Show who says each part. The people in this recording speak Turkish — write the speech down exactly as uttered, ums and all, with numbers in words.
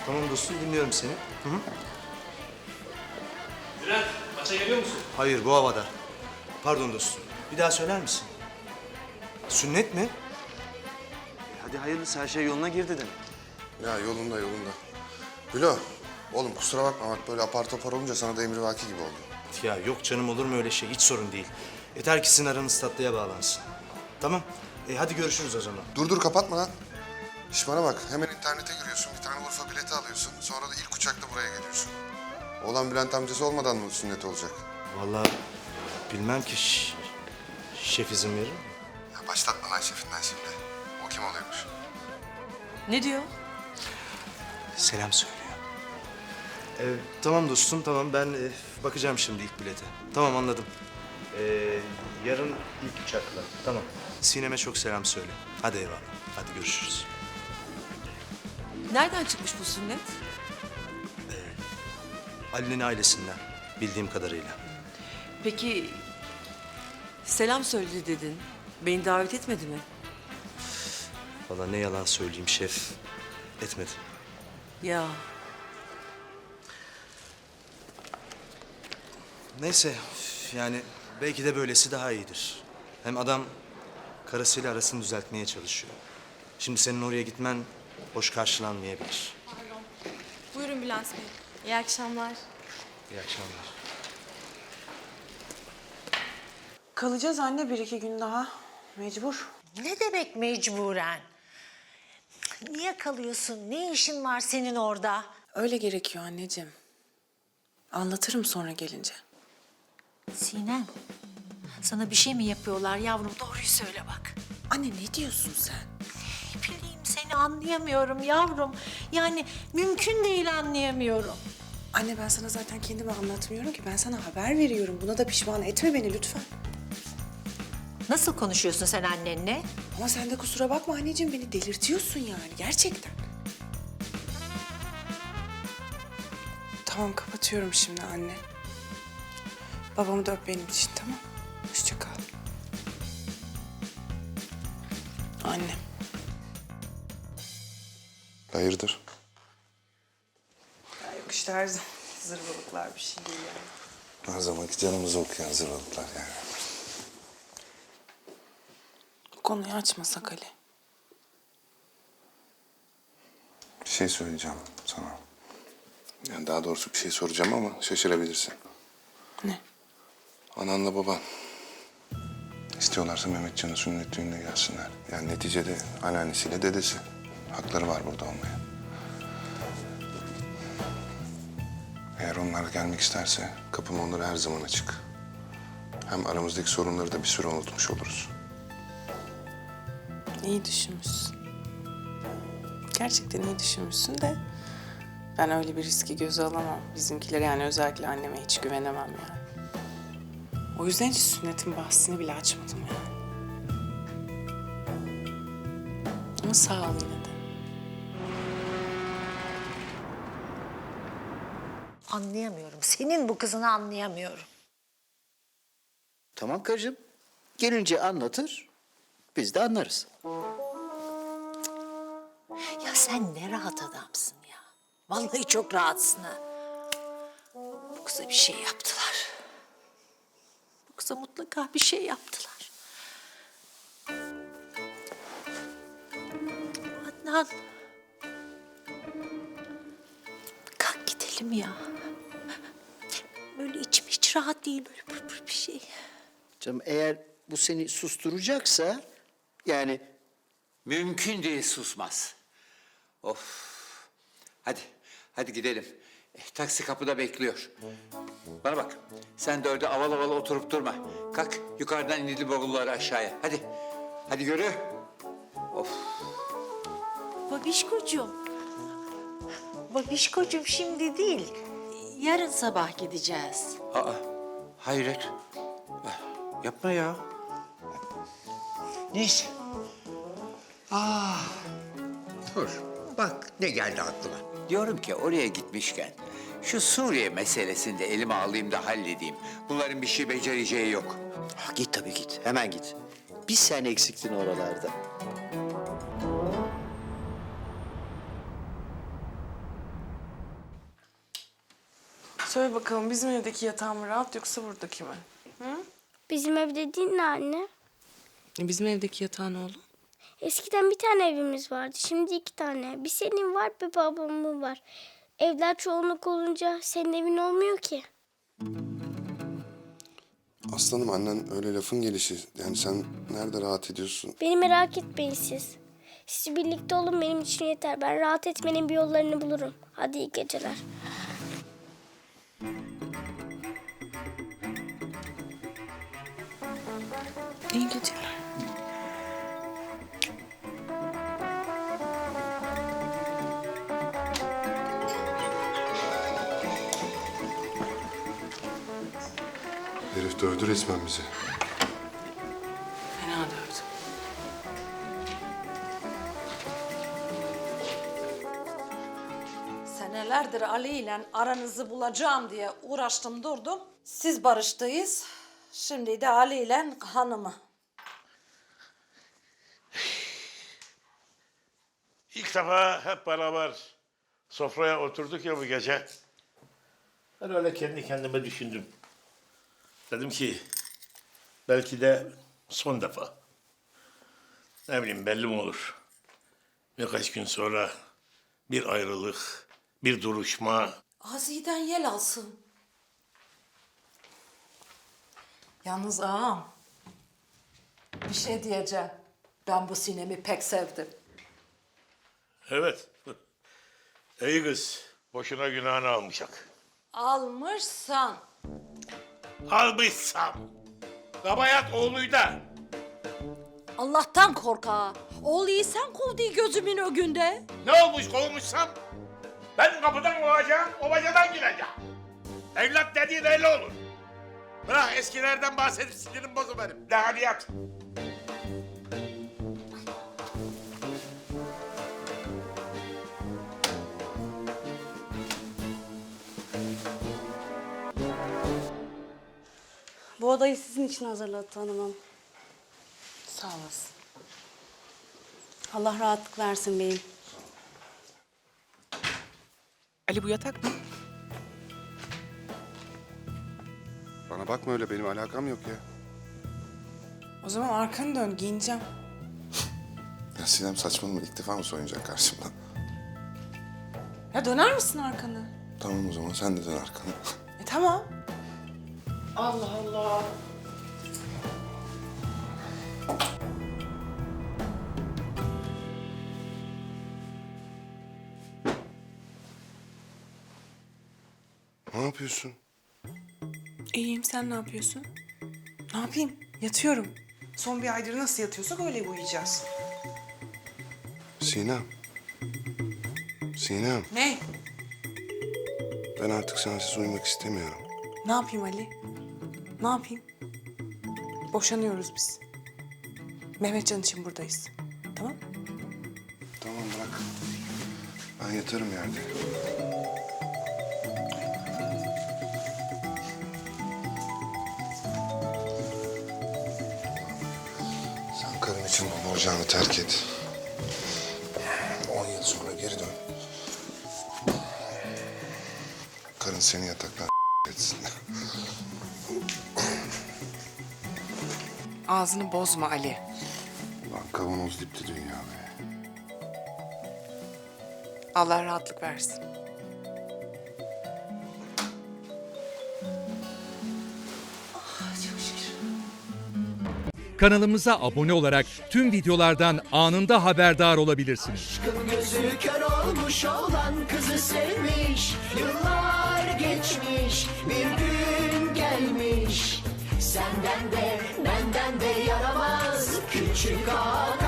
Speaker 1: Tamam dostum, dinliyorum seni. Hı hı.
Speaker 2: Bülent, maça geliyor musun?
Speaker 1: Hayır, bu havada. Pardon dostum, bir daha söyler misin? Sünnet mi? Hadi hayırlısı, her şey yoluna girdi demek.
Speaker 3: Ya yolunda yolunda. Gülo, oğlum kusura bakma bak böyle apar topar olunca sana da emrivaki gibi oldu.
Speaker 1: Ya yok canım, olur mu öyle şey? Hiç sorun değil. Yeter ki sizin aranız tatlıya bağlansın. Tamam, e, hadi görüşürüz o zaman.
Speaker 3: Dur dur kapatma lan. İş bana bak hemen internete giriyorsun bir tane Urfa bileti alıyorsun. Sonra da ilk uçakla buraya geliyorsun. Oğlan Bülent amcası olmadan mı sünnet olacak?
Speaker 1: Vallahi bilmem ki ş- şef izin verir mi?
Speaker 3: Ya başlatma lan şefinden şimdi. O kim oluyormuş?
Speaker 4: Ne diyor?
Speaker 1: Selam söylüyor. Ee, tamam dostum, tamam. Ben e, bakacağım şimdi ilk bilete. Tamam, anladım. Ee, yarın ilk uçakla. Tamam. Sinem'e çok selam söyle. Hadi eyvallah. Hadi görüşürüz.
Speaker 4: Nereden çıkmış bu sünnet?
Speaker 1: Ali'nin ailesinden, bildiğim kadarıyla.
Speaker 4: Peki selam söyledi dedin. Beni davet etmedi mi?
Speaker 1: Vallahi ne yalan söyleyeyim şef. Etmedi.
Speaker 4: Ya
Speaker 1: Neyse, yani belki de böylesi daha iyidir. Hem adam karısıyla arasını düzeltmeye çalışıyor. Şimdi senin oraya gitmen hoş karşılanmayabilir.
Speaker 5: Buyurun Bülent Bey. İyi akşamlar.
Speaker 1: İyi akşamlar.
Speaker 6: Kalacağız anne bir iki gün daha. Mecbur.
Speaker 7: Ne demek mecburen? Niye kalıyorsun? Ne işin var senin orada?
Speaker 6: Öyle gerekiyor anneciğim. Anlatırım sonra gelince.
Speaker 7: Sinem, sana bir şey mi yapıyorlar yavrum? Doğruyu söyle bak.
Speaker 6: Anne ne diyorsun sen?
Speaker 7: Ne bileyim seni anlayamıyorum yavrum. Yani mümkün değil anlayamıyorum.
Speaker 6: Anne ben sana zaten kendimi anlatmıyorum ki. Ben sana haber veriyorum. Buna da pişman etme beni lütfen.
Speaker 7: Nasıl konuşuyorsun sen annenle?
Speaker 6: Ama sen de kusura bakma anneciğim. Beni delirtiyorsun yani gerçekten. Tamam kapatıyorum şimdi anne. Babamı da öp benim için tamam. Hoşça kal. Annem.
Speaker 3: Hayırdır?
Speaker 6: Ya yok işte her zaman zırvalıklar bir şey değil yani.
Speaker 3: Her zamanki canımızı okuyan zırvalıklar yani.
Speaker 6: Bu konuyu açmasak Ali.
Speaker 3: Bir şey söyleyeceğim sana. Yani daha doğrusu bir şey soracağım ama şaşırabilirsin.
Speaker 6: Ne?
Speaker 3: Ananla baban istiyorlarsa Mehmetcan'ın sünnet düğününe gelsinler. Yani neticede anneannesiyle dedesi. Hakları var burada olmaya. Eğer onlar gelmek isterse kapım onlara her zaman açık. Hem aramızdaki sorunları da bir süre unutmuş oluruz.
Speaker 6: İyi düşünmüşsün. Gerçekten iyi düşünmüşsün de ben öyle bir riski göze alamam. Bizimkiler yani özellikle anneme hiç güvenemem yani. O yüzden hiç sünnetin bahsini bile açmadım yani. Ama sağ ol yine de.
Speaker 7: Anlayamıyorum. Senin bu kızını anlayamıyorum.
Speaker 8: Tamam karıcığım. Gelince anlatır, biz de anlarız.
Speaker 7: Ya sen ne rahat adamsın ya. Vallahi çok rahatsın ha. Bu kıza bir şey yaptılar. Bu kıza mutlaka bir şey yaptılar. Adnan. Kalk gidelim ya. Böyle içim hiç rahat değil böyle pır pır bir şey.
Speaker 8: Canım eğer bu seni susturacaksa yani
Speaker 9: Mümkün değil susmaz. Of. Hadi, hadi gidelim. Eh, taksi kapıda bekliyor. Bana bak, sen de orada aval aval oturup durma. Kalk, yukarıdan indirdi bavulları aşağıya. Hadi, hadi yürü. Of.
Speaker 7: Babişkocuğum. Babişkocuğum şimdi değil. Yarın sabah gideceğiz.
Speaker 9: Aa, hayret. Ah, yapma ya.
Speaker 10: Neyse. Ah, dur. Bak ne geldi aklıma.
Speaker 9: Diyorum ki oraya gitmişken şu Suriye meselesini de elime alayım da halledeyim. Bunların bir şey becereceği yok.
Speaker 8: ha, git tabii git, hemen git. Bir sen eksiktin oralarda.
Speaker 6: Söyle bakalım, bizim evdeki yatağın mı rahat yoksa buradaki mi?
Speaker 2: Bizim ev dediğin ne anne?
Speaker 6: E, bizim evdeki yatağın oğlum.
Speaker 2: Eskiden bir tane evimiz vardı. Şimdi iki tane. Bir senin var, bir babamın var. Evler çoğunluk olunca senin evin olmuyor ki.
Speaker 3: Aslanım, annen öyle lafın gelişi. Yani sen nerede rahat ediyorsun?
Speaker 2: Beni merak etmeyin siz. Siz birlikte olun, benim için yeter. Ben rahat etmenin bir yollarını bulurum. Hadi iyi geceler.
Speaker 6: İyi geceler.
Speaker 3: Herif dövdü resmen bizi.
Speaker 6: Fena dövdüm.
Speaker 7: Senelerdir Ali ile aranızı bulacağım diye uğraştım durdum. Siz barıştıyız. Şimdi de Ali ile hanımı.
Speaker 11: İlk defa hep beraber sofraya oturduk ya bu gece. Ben öyle kendi kendime düşündüm. Dedim ki belki de son defa. Ne bileyim, belli mi olur? Birkaç gün sonra bir ayrılık, bir duruşma.
Speaker 7: Aziden yel alsın. Yalnız ağam, bir şey diyeceğim. Ben bu Sinem'i pek sevdim.
Speaker 11: Evet. İyi kız. Boşuna günahını almayacak.
Speaker 7: Almışsan.
Speaker 11: Almışsam. Kabayat oğluyda.
Speaker 7: Allah'tan kork ağa. Oğluyu sen kovduğu gözümün önünde.
Speaker 11: Ne olmuş kovmuşsam? Ben kapıdan kovacağım, o bacadan gireceğim. Evlat dediğin öyle olur. Bırak eskilerden bahsedip sinirim bozu benim. De hadi yat.
Speaker 5: Bu odayı sizin için hazırladı hanımım.
Speaker 6: Sağ olasın.
Speaker 5: Allah rahatlık versin beyim.
Speaker 6: Ali, bu yatak mı?
Speaker 3: Bana bakma öyle, benim alakam yok ya.
Speaker 6: O zaman arkanı dön, giyineceğim.
Speaker 3: Ya Sinem, saçmalama, ilk defa mı soyunacak karşımda?
Speaker 6: Ya döner misin arkanı?
Speaker 3: Tamam o zaman, sen de dön arkana.
Speaker 6: E tamam. Allah Allah.
Speaker 3: Ne yapıyorsun?
Speaker 6: İyiyim, sen ne yapıyorsun? Ne yapayım? Yatıyorum. Son bir aydır nasıl yatıyorsak öyle uyuyacağız.
Speaker 3: Sinem. Sinem,
Speaker 6: Ne?
Speaker 3: ben artık sensiz uyumak istemiyorum.
Speaker 6: Ne yapayım Ali? Ne yapayım? Boşanıyoruz biz. Mehmetcan için buradayız. Tamam?
Speaker 3: Tamam, bırak. Ben yatarım yerde. Sen karın için baba ocağını terk et. On yıl sonra geri dön. Karın seni yataktan etsin.
Speaker 6: Ağzını bozma Ali.
Speaker 3: Ulan kavanoz dipti dünya be.
Speaker 6: Allah rahatlık versin.
Speaker 12: Kanalımıza abone olarak tüm videolardan anında haberdar olabilirsiniz.
Speaker 13: Gözü kör olmuş olan kızı sevmiş. Yıllar geçmiş, bir gün gelmiş. Senden de benden de yaramaz küçük ağa.